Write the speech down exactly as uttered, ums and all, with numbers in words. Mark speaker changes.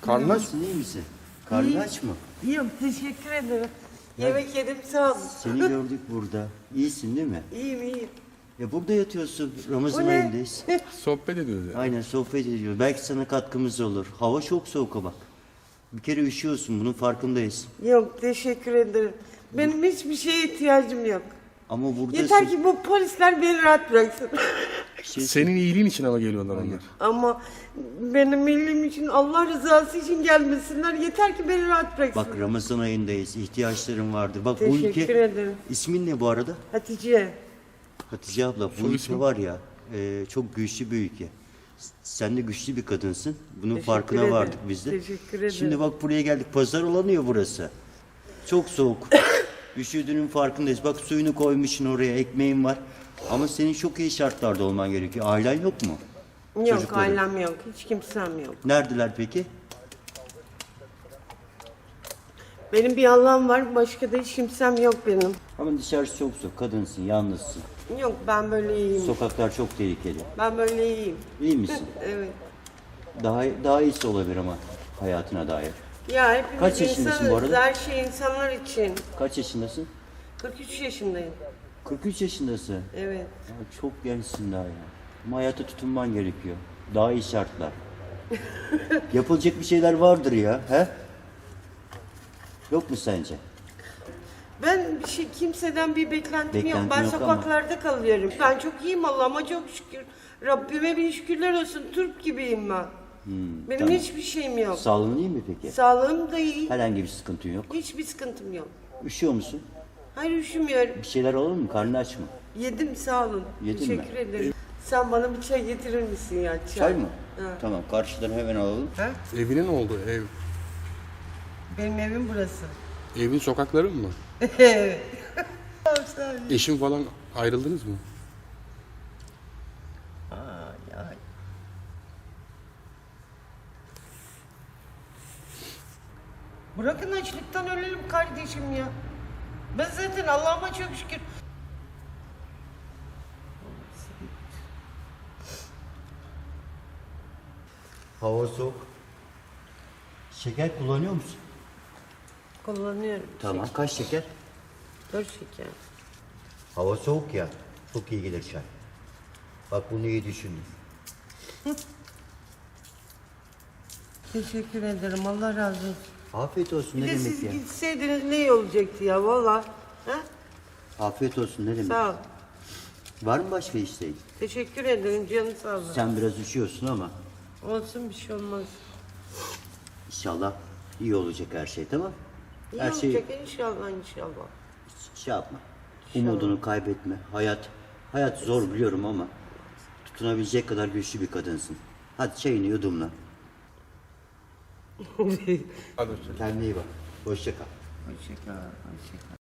Speaker 1: Karnın aç mı?
Speaker 2: Nasılsın, iyi misin? Karnın
Speaker 3: İyi.
Speaker 2: aç mı?
Speaker 3: İyiyim, teşekkür ederim. Yemek yedim, sağ olun.
Speaker 2: Seni gördük burada. İyisin değil mi?
Speaker 3: İyiyim, iyiyim.
Speaker 2: Ya burada yatıyorsun. Ramazan
Speaker 3: Bu ne?
Speaker 2: ayındayız.
Speaker 1: Sohbet ediyoruz ya.
Speaker 2: Aynen sohbet ediyoruz. Belki sana katkımız olur. Hava çok soğuk ama. Bir kere üşüyorsun, bunun farkındayız.
Speaker 3: Yok, teşekkür ederim. Benim hiçbir şeye ihtiyacım yok.
Speaker 2: Ama buradasın.
Speaker 3: Yeter ki bu polisler beni rahat bıraksın.
Speaker 2: Şey-
Speaker 1: Senin iyiliğin için ama geliyorlar onlar.
Speaker 3: Ama benim iyiliğim için, Allah rızası için gelmesinler. Yeter ki beni rahat bıraksın.
Speaker 2: Bak Ramazan ayındayız. İhtiyaçların vardır. Bak bu
Speaker 3: Teşekkür
Speaker 2: ülke...
Speaker 3: ederim.
Speaker 2: İsmin ne bu arada?
Speaker 3: Hatice.
Speaker 2: Hatice abla. Bu
Speaker 1: Soy
Speaker 2: ülke
Speaker 1: ismi?
Speaker 2: var ya, e, çok güçlü bir ülke. Sen de güçlü bir kadınsın. Bunun
Speaker 3: Teşekkür
Speaker 2: farkına
Speaker 3: ederim.
Speaker 2: vardık biz de.
Speaker 3: Teşekkür ederim.
Speaker 2: Şimdi bak buraya geldik. Pazar olanıyor burası. Çok soğuk. Üşüdüğünün farkındayız. Bak suyunu koymuşsun oraya. Ekmeğin var. Ama senin çok iyi şartlarda olman gerekiyor. Ailen yok mu?
Speaker 3: Yok,
Speaker 2: Çocukların.
Speaker 3: ailem yok. Hiç kimsem yok.
Speaker 2: Neredeler peki?
Speaker 3: Benim bir Allah'ım var, başka da hiç kimsem yok benim.
Speaker 2: Ama dışarısı çok soğuk. Kadınsın, yalnızsın.
Speaker 3: Yok, ben böyle iyiyim.
Speaker 2: Sokaklar çok tehlikeli.
Speaker 3: Ben böyle iyiyim.
Speaker 2: İyi misin?
Speaker 3: Evet.
Speaker 2: Daha daha iyisi olabilir ama hayatına dair.
Speaker 3: Ya hepimiz
Speaker 2: Kaç yaşındasın bu
Speaker 3: insanız.
Speaker 2: arada?
Speaker 3: Her şey insanlar için.
Speaker 2: Kaç yaşındasın?
Speaker 3: kırk üç yaşındayım.
Speaker 2: kırk üç yaşındasın.
Speaker 3: Evet.
Speaker 2: Ya çok gençsin daha ya. Ama hayata tutunman gerekiyor. Daha iyi şartlar. Yapılacak bir şeyler vardır ya. He? Yok mu sence?
Speaker 3: Ben bir şey kimseden bir beklentim yok.
Speaker 2: Beklentin
Speaker 3: Ben
Speaker 2: yok ama-
Speaker 3: sokaklarda kalıyorum. Ben çok iyiyim Allah'ıma çok şükür. Rabbime bin şükürler olsun. Türk gibiyim ben. Benim
Speaker 2: tamam.
Speaker 3: hiçbir şeyim yok.
Speaker 2: Sağlığın iyi mi peki?
Speaker 3: Sağlığım da iyi.
Speaker 2: Herhangi bir sıkıntın yok.
Speaker 3: Hiçbir sıkıntım yok.
Speaker 2: Üşüyor musun?
Speaker 3: Hayır, üşümüyorum.
Speaker 2: Bir şeyler olur mu? Karnın aç mı?
Speaker 3: Yedim, sağ olun.
Speaker 2: Yedin
Speaker 3: Teşekkür
Speaker 2: mi?
Speaker 3: ederim. Sen bana bir çay getirir misin ya? Çay,
Speaker 2: Çay mı?
Speaker 3: Ha.
Speaker 2: Tamam, karşıdan hemen alalım.
Speaker 3: Ha?
Speaker 1: Evine ne oldu? Ev.
Speaker 3: Benim evim burası.
Speaker 1: Evin sokakları mı?
Speaker 3: Evet.
Speaker 1: Eşin falan ayrıldınız mı?
Speaker 3: Ay, ay. Bırakın açlıktan ölelim kardeşim ya. Ben zaten Allah'ıma çok şükür.
Speaker 2: Hava soğuk. Şeker kullanıyor musun?
Speaker 3: Kullanıyorum.
Speaker 2: Tamam. Kaç şeker?
Speaker 3: Dört şeker.
Speaker 2: Hava soğuk ya. Çok iyi gelir çay. Bak bunu iyi düşündün.
Speaker 3: Teşekkür ederim. Allah razı olsun.
Speaker 2: Afiyet olsun,
Speaker 3: Bir
Speaker 2: ne
Speaker 3: de
Speaker 2: demek
Speaker 3: siz
Speaker 2: ya?
Speaker 3: gitseydiniz ne iyi olacaktı ya valla. Ha?
Speaker 2: Afiyet olsun, ne demek?
Speaker 3: Sağ ol.
Speaker 2: Var mı başka isteğin?
Speaker 3: Teşekkür ederim canım sağ ol.
Speaker 2: Sen biraz üşüyorsun ama
Speaker 3: Olsun, bir şey olmaz.
Speaker 2: inşallah iyi olacak her şey, tamam?
Speaker 3: İyi
Speaker 2: her şey
Speaker 3: olacak inşallah inşallah.
Speaker 2: şey yapma. Umudunu kaybetme. Hayat hayat zor biliyorum ama tutunabilecek kadar güçlü bir kadınsın. Hadi çayını yudumla.
Speaker 1: Hadi hoşça kal.
Speaker 2: Kendine iyi bak. Hoşça kal.
Speaker 3: Hoşçakal, hoşçakal.